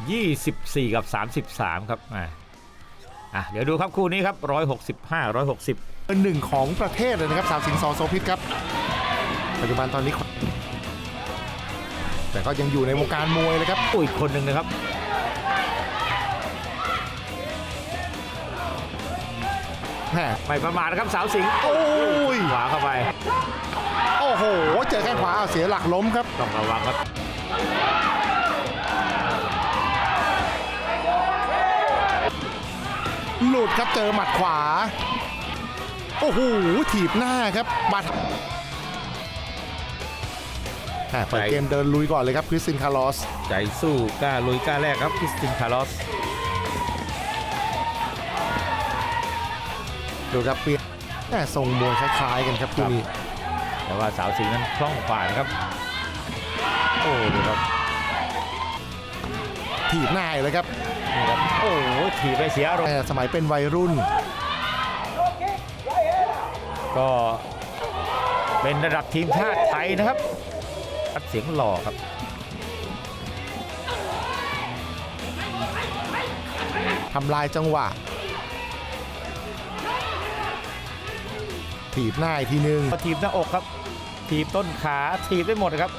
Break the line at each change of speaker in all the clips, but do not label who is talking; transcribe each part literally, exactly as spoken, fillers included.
ยี่สิบสี่กับสามสิบสามครับอ่ะอ่ะเดี๋ยวดูครับคู่นี้ครับหนึ่งร้อยหกสิบห้า หนึ่งร้อยหกสิบ
เป็นหนึ่งของประเทศเลยนะครับสาวสิงห์ ส โสภิตครับปัจจุบันตอนนี้แต่ก็ยังอยู่ในวงการมวยเลยครับ
อุ้ยคนหนึ่งนะครับไม่ประมาทนะครับสาวสิงห์โอ้ยขวาเข้าไป
โอ้โหเจอแข้งขวาเอาเสียหลักล้มครับ
ต้องระวังครับ
หลุดครับเจอหมัดขวาโอ้โหถีบหน้าครับบัดเปิดเกมเดินลุยก่อนเลยครับคริสตินคาร์ลอส
ใจสู้กล้าลุยกล้าแรกครับคริสตินคาร์ลอส
ดูครับเปลี่ยนแม่ทรงมวยคล้ายๆกันครับคู่นี้
แต่ว่าสาวสิงห์นั้นคล่องกว่านะครับโอ้ดูครับ
ถีบหน้าเลยครับ
นี่ครับโอ้โหถีบไปเสียอารมณ์
สมัยเป็นวัยรุ่น
ก็เป็นระดับทีมชาติไทยนะครับเสียงหล่อครับ
ทำลายจังหวะถีบหน้าอีกทีนึง
ถีบหน้าอกครับถีบต้นขาถีบได้หมดครับ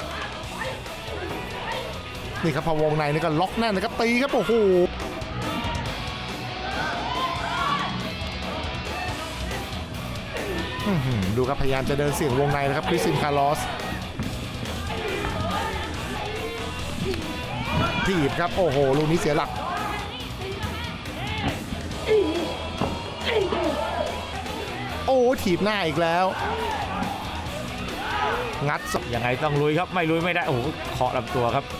นี่ครับพอวงในนี่ก็ล็อกแน่นนะครับตีครับโอ้โหดูครับพยายามจะเดินเสี่ยงวงในนะครับคริสตินคาร์ลอสถีบครับโอ้โหลูกนี้เสียหลักโอ้ถีบหน้าอีกแล้วงัด
ยังไงต้องลุยครับไม่ลุยไม่ได้โอ้โหเคาะลำตัวครับ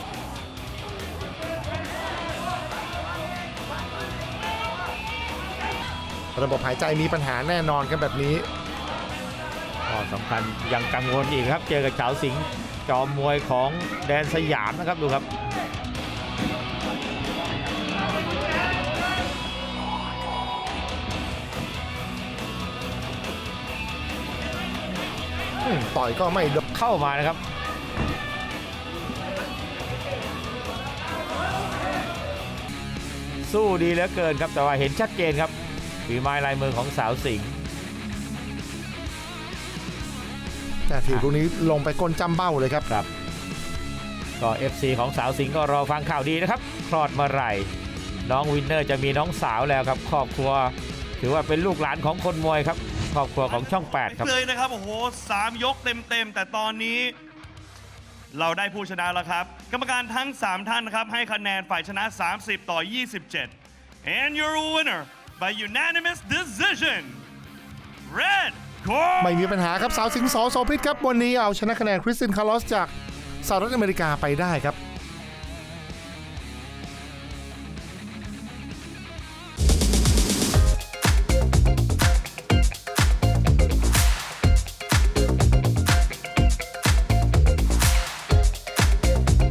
ระบบหายใจมีปัญหาแน่นอนครับแบบนี้
ก็สำคัญยังกังวลอีกครับเจอกับสาวสิงห์จอมมวยของแดนสยามนะครับดูครับ
ต่อยก็ไม่
เข้ามานะครับสู้ดีเหลือเกินครับแต่ว่าเห็นชัดเจนครับฝีไม้ลายมือของสาวสิงห์
แต่ทีลูกนี้ลงไปก้นจำเบ้าเลยครับ
ครับก็ เอฟ ซี ของสาวสิงห์ก็รอฟังข่าวดีนะครับคลอดเมื่อไหร่น้องวินเนอร์จะมีน้องสาวแล้วครับครอบครัวถือว่าเป็นลูกหลานของคนมวยครับครอบครัวของช่องแปดครับ
เลยนะครับโอ้โหสามยกเต็มๆแต่ตอนนี้เราได้ผู้ชนะแล้วครับกรรมการทั้งสามท่านครับให้คะแนนฝ่ายชนะสามสิบต่อยี่สิบเจ็ด and your winner by unanimous decision red corner
ไม่มีปัญหาครับสาวสิงห์ ส โสภิตครับวันนี้เอาชนะคะแนนคริสตินคาร์ลอสจากสหรัฐอเมริกาไปได้ครับ